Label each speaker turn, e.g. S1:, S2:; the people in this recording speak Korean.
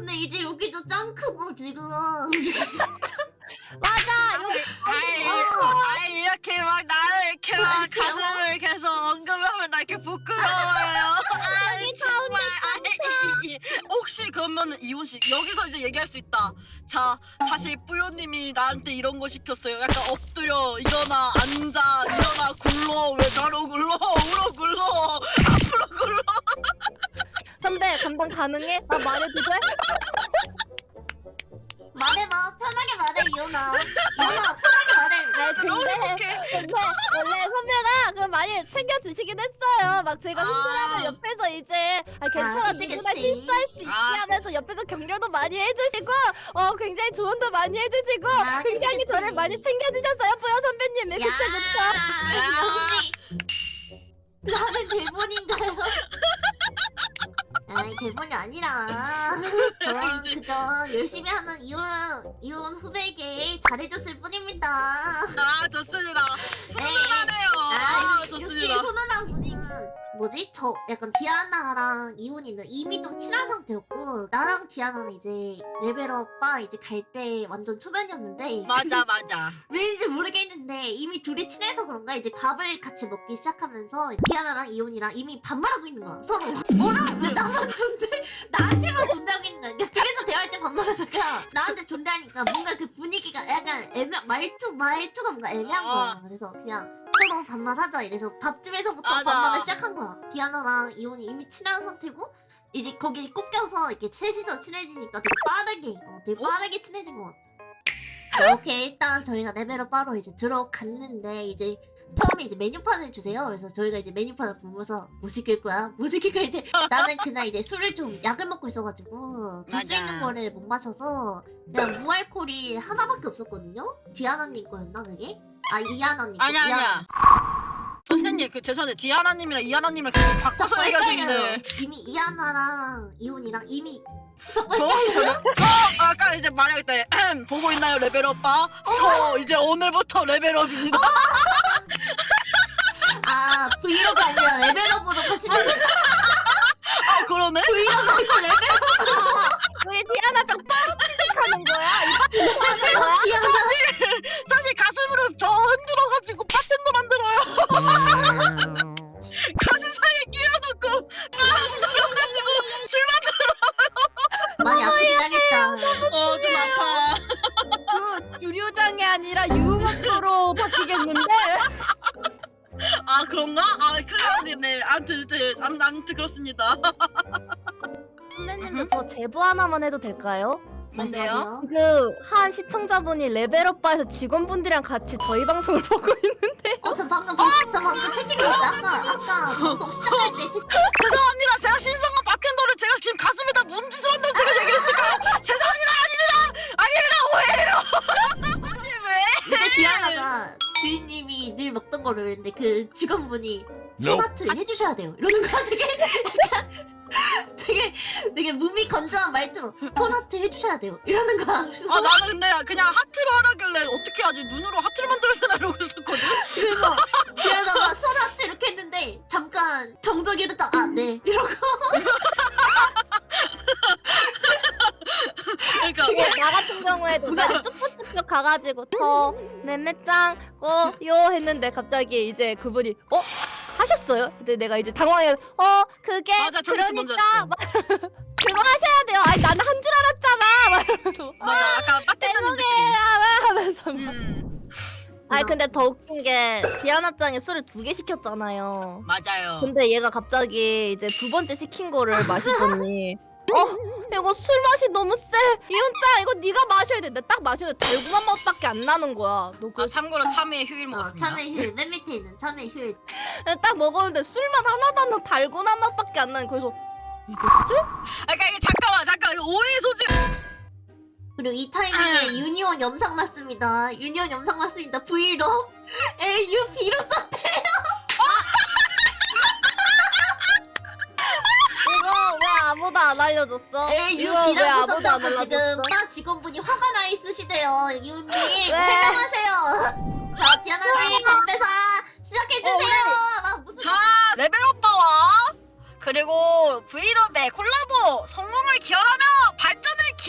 S1: 근데 이제 여기도 짱 크고 지금.
S2: 맞아.
S3: 아이 이렇게 막 나를 이렇게 막 가슴을 계속 언급하면 나 이렇게 부끄러워요. 아이 정말. 아이 혹시 그러면 이혼 씨 여기서 이제 얘기할 수 있다. 자 사실 뿌요님이 나한테 이런 거 시켰어요. 약간 엎드려 일어나 앉아 일어나 굴러 왜 좌로 굴러 우로 굴러 앞으로 굴러.
S2: 선배 감당 가능해? 나 말해도 돼?
S1: 말해봐. 편하게 말해 이혼아. 이혼아 편하게 말해.
S2: 네, 근데 원래 선배가 그 많이 챙겨주시긴 했어요. 막 제가 흥분하면 옆에서 이제 괜찮아
S1: 그치,
S2: 누구나
S1: 그치.
S2: 실수할 수 있게 하면서 옆에서 격려도 많이 해주시고 굉장히 조언도 많이 해주시고
S1: 아, 그치,
S2: 굉장히
S1: 그치.
S2: 저를 많이 챙겨주셨어요. 뿌요 선배님이 그때부터.
S1: 역시 나는 대본인가요? 아니 대본이 아니라 저는 그저 열심히 하는 이혼 후배에게 잘해줬을 뿐입니다.
S3: 아 좋습니다. 훈훈하네요. 아
S1: 역시
S3: 좋습니다.
S1: 훈훈한 분위기는 뭐지? 저 약간 디아나랑 이혼이는 이미 좀 친한 상태였고 나랑 디아나는 이제 레벨업바 이제 갈 때 완전 초면이었는데
S3: 맞아.
S1: 왠지 모르겠는데 이미 둘이 친해서 그런가 이제 밥을 같이 먹기 시작하면서 디아나랑 이혼이랑 이미 반말하고 있는 거야 서로. 뭐라 왜 나만 나한테만 존대하고 있는 거야. 그래서 대화할 때 반말하다가 나한테 존대하니까 뭔가 그 분위기가 약간 말투가 뭔가 애매한 거야. 그래서 그냥 서로 반말하자 이래서 밥집에서부터
S3: 맞아.
S1: 반말을 시작한 거야. 디아나랑 이혼이 이미 친한 상태고 이제 거기 꼽겨서 이렇게 셋이서 친해지니까 되게 빠르게 친해진 것 같아. 이렇게 일단 저희가 레벨업 바로 이제 들어갔는데 이제 처음에 이제 메뉴판을 주세요. 그래서 저희가 이제 메뉴판을 보면서 뭐 시킬 거야? 이제 나는 그날 이제 술을 좀 약을 먹고 있어가지고 줄 수
S3: 맞아.
S1: 있는 거를 못 마셔서 그냥 무알콜이 하나밖에 없었거든요. 디아나님 거였나 그게? 아 이하나님 거.
S3: 아니야. 선생님 그 죄송한데 디아나님이랑 이하나님이랑 계속 바꿔서 얘기하시는데
S1: 이미 이하나랑 이혼이랑 이미
S3: 저 혹시 저 아까 이제 말했다 보고 있나요 레벨업 바? 저 이제 오늘부터 레벨업입니다.
S1: 아 브이로그 아니라 레벨업으로 가시는
S3: 아 그러네?
S1: 브이로그 레벨업.
S2: 우리 디아나 짱 바로 취직하는 거야? 이거 하는 거야?
S3: 사실 가슴으로 저 흔들어가지고 바텐더 만들어요. 가슴 사이에 끼워놓고 흔들어가지고 술
S1: 많이 아프긴 하겠다.
S3: 좀 아파.
S2: 그 유료장이 아니라 유흥업소로 바뀌겠는데?
S3: 아 그런가? 아 큰일 났네. 아무튼 그렇습니다.
S2: 선배님도 저 제보 하나만 해도 될까요?
S3: 뭔데요?
S2: 그 한 시청자분이 레벨업바에서 직원분들이랑 같이 저희 방송을 보고 있는데
S1: 저 방금 채팅을 했어. 아까 방송 시작할 때 채팅.
S3: 죄송합니다. 제가 신성한 바텐더를 제가 지금 가슴에다 뭔 짓을 한다고 제가 얘기를 했을까요? 죄송합니다. 아닙니다. 아니 왜?
S1: 이제 디아나가 주인님이 늘 먹던 거를 그랬는데 그 직원분이 손아트 해주셔야 돼요. 이러는 거야. 되게 몸이 건조한 말투로 손아트 해주셔야 돼요. 이러는 거야. 그래서
S3: 아 나는 근데 그냥 하트를 하라길래 어떻게 하지? 눈으로 하트를 만들어야 되나 이러고 있었거든.
S1: 그래서 디아나가 손아트 이렇게 했는데 잠깐 정적이 이르다 네 이러고.
S3: 그러니까
S2: 그게 나 같은 경우에도 내가 쭉쭉쭉 가가지고 저 맴매짱 꼬요 했는데 갑자기 이제 그분이 하셨어요? 근데 내가 이제 당황해서 그게
S3: 맞아, 저기서 먼저
S2: 그러니까
S3: 했어.
S2: 막 그거 하셔야 돼요. 아니 나는 한 줄 알았잖아. 막 이러면서
S3: 맞아 약간 빠뜨는 느낌.
S2: 하면서 아니
S1: 음.
S2: 근데 더 웃긴 게 디아나짱이 술을 2개 시켰잖아요.
S3: 맞아요.
S2: 근데 얘가 갑자기 이제 2번째 시킨 거를 마시더니 이거 술 맛이 너무 세. 이혼짱 이거 네가 마셔야 돼. 내가 딱 마시는데 달고난 맛밖에 안 나는 거야. 너
S3: 아 참고로 참외 휴일 먹었습니다.
S1: 참외 힐, 맨 밑에 있는 참외 힐.
S2: 딱 먹었는데 술맛 하나도 안 나. 달고난 맛밖에 안 나는. 그래서 이게 술?
S3: 그러니까 이게 잠깐 이거 오해 소지.
S1: 그리고 이 타이밍에 유니온 영상 났습니다. 브이로그. 에유 비로소인데요.
S2: 이거 왜 아무도 안 알려줬어?
S1: 에유
S2: 이거 왜
S1: 비라고
S2: 아무도 안
S1: 썼다고 지금
S2: 알려줬어?
S1: 바 직원분이 화가 나 있으시대요. 이웃님
S2: 왜?
S1: 해명하세요. 자 디아나님 건배사 시작해주세요. 막 무슨
S3: 자 레벨 오빠와 그리고 브이로그의 콜라보 성공을 기원하며 발전을